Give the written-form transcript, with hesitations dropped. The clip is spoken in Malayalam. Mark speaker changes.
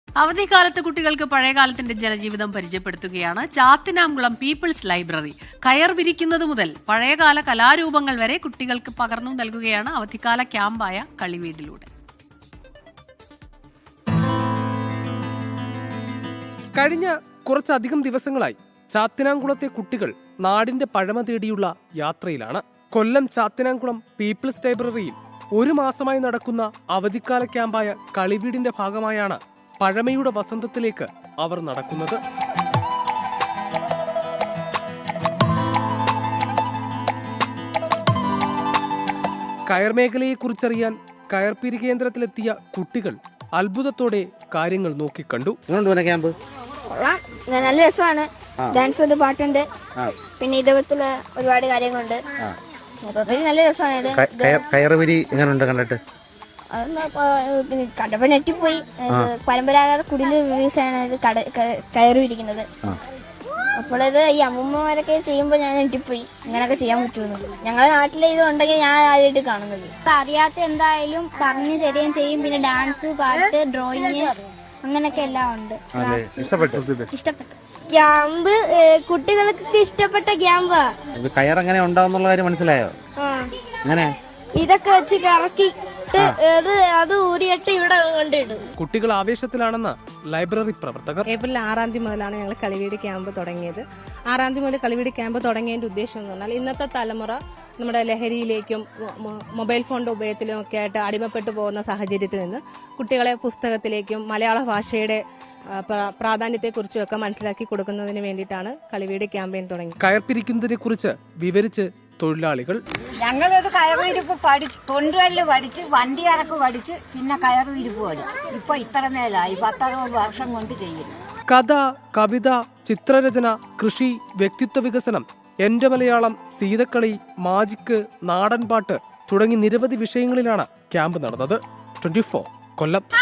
Speaker 1: അവധിക്കാലത്ത് കുട്ടികൾക്ക് പഴയകാലത്തിന്റെ ജനജീവിതം പരിചയപ്പെടുത്തുകയാണ് ചാത്തിനാംകുളം പീപ്പിൾസ് ലൈബ്രറി. കയർ വിരിക്കുന്നത് മുതൽ പഴയകാല കലാരൂപങ്ങൾ വരെ കുട്ടികൾക്ക് പകർന്നു നൽകുകയാണ് അവധിക്കാല ക്യാമ്പായ കളിവീടിലൂടെ.
Speaker 2: കഴിഞ്ഞ കുറച്ചധികം ദിവസങ്ങളായി ചാത്തിനാംകുളത്തെ കുട്ടികൾ നാടിന്റെ പഴമ തേടിയുള്ള യാത്രയിലാണ്. കൊല്ലം ചാത്തിനാംകുളം പീപ്പിൾസ് ലൈബ്രറിയിൽ 1 മാസമായി നടക്കുന്ന അവധിക്കാല ക്യാമ്പായ കളിവീടിന്റെ ഭാഗമായാണ് പഴമയുടെ വസന്തത്തിലേക്ക് അവർ നടക്കുന്നത്. കയർ മേഖലയെക്കുറിച്ചറിയാൻ കയർപിരി കേന്ദ്രത്തിലെത്തിയ കുട്ടികൾ അത്ഭുതത്തോടെ കാര്യങ്ങൾ നോക്കിക്കണ്ടു.
Speaker 3: ക്യാമ്പ്
Speaker 4: നല്ല രസമാണ്. ഡാൻസ് ഉണ്ട്, പാട്ടുണ്ട്, പിന്നെ ഇതേപോലത്തുള്ള ഒരുപാട് കാര്യങ്ങളുണ്ട്. നല്ല രസമാണ്.
Speaker 3: കയറുപിരി എങ്ങനെയുണ്ട് കണ്ടിട്ട്?
Speaker 4: കണ്ടപ്പോ നെറ്റിപ്പോയി. പരമ്പരാഗത കുടില് വീഴ്ചയാണ് കയറിയിരിക്കുന്നത്. അപ്പോഴത് ഈ അമ്മൂമ്മമാരൊക്കെ ചെയ്യുമ്പോൾ ഞാൻ നെറ്റിപ്പോയി, ഇങ്ങനെയൊക്കെ ചെയ്യാൻ പറ്റുമെന്ന്. ഞങ്ങളുടെ നാട്ടിലെ ഇത് ഉണ്ടെങ്കിൽ ഞാൻ ആദ്യമായിട്ട് കാണുന്നത്.
Speaker 5: അറിയാത്ത എന്തായാലും പറഞ്ഞു തരികയും ചെയ്യും. പിന്നെ ഡാൻസ്, പാട്ട്, ഡ്രോയിങ്, അങ്ങനെയൊക്കെ എല്ലാം ഉണ്ട്. ഇഷ്ടപ്പെട്ടു.
Speaker 4: ക്യാമ്പ് കുട്ടികൾക്ക് ഇഷ്ടപ്പെട്ട ക്യാമ്പാ.
Speaker 3: കയർ എങ്ങനെ ഉണ്ടാവുന്നുള്ള കാര്യം മനസ്സിലായോ? അങ്ങനെ
Speaker 4: ഇതൊക്കെ വെച്ച് കറക്കിട്ട് അത് ഊരിയിട്ട് ഇവിടെ കൊണ്ടിടും.
Speaker 2: കുട്ടികൾ ആവേശത്തിലാണെന്ന് ലൈബ്രറി പ്രവർത്തകർ.
Speaker 6: ഏപ്രിൽ 6 മുതലാണ് ഞങ്ങൾ കളിവീട് ക്യാമ്പ് തുടങ്ങിയത്. 6 മുതൽ കളിവീട് ക്യാമ്പ് തുടങ്ങിയതിന്റെ ഉദ്ദേശം എന്ന് പറഞ്ഞാൽ ഇന്നത്തെ തലമുറ നമ്മുടെ ലഹരിയിലേക്കും മൊബൈൽ ഫോണിന്റെ ഉപയോഗത്തിലും ഒക്കെ ആയിട്ട് അടിമപ്പെട്ടു പോകുന്ന സാഹചര്യത്തിൽ നിന്ന് കുട്ടികളെ പുസ്തകത്തിലേക്കും മലയാള ഭാഷയുടെ പ്രാധാന്യത്തെക്കുറിച്ചും ഒക്കെ മനസ്സിലാക്കി കൊടുക്കുന്നതിന് വേണ്ടിയിട്ടാണ് കളിവീട് ക്യാമ്പയിൻ തുടങ്ങി.
Speaker 2: കയർ പിരിക്കുന്നതിനെ കുറിച്ച് വിവരിച്ച് തൊഴിലാളികൾ.
Speaker 7: ഞങ്ങളത് കയറുവിരിപ്പ് പഠിച്ച്, തൊണ്ടുകല്ല് പഠിച്ച്, വണ്ടി കറക്ക് പഠിച്ച്, പിന്നെ കയറുവിരിപ്പ് പഠിച്ചു. ഇപ്പൊ ഇത്ര മേലായി 10-60 വർഷം കൊണ്ട് ചെയ്യുന്നു.
Speaker 2: കഥ, കവിത, ചിത്രരചന, കൃഷി, വ്യക്തിത്വ വികസനം, എന്റെ മലയാളം, സീതക്കളി, മാജിക്ക്, നാടൻപാട്ട് തുടങ്ങി നിരവധി വിഷയങ്ങളിലാണ് ക്യാമ്പ് നടന്നത്. 24 കൊല്ലം.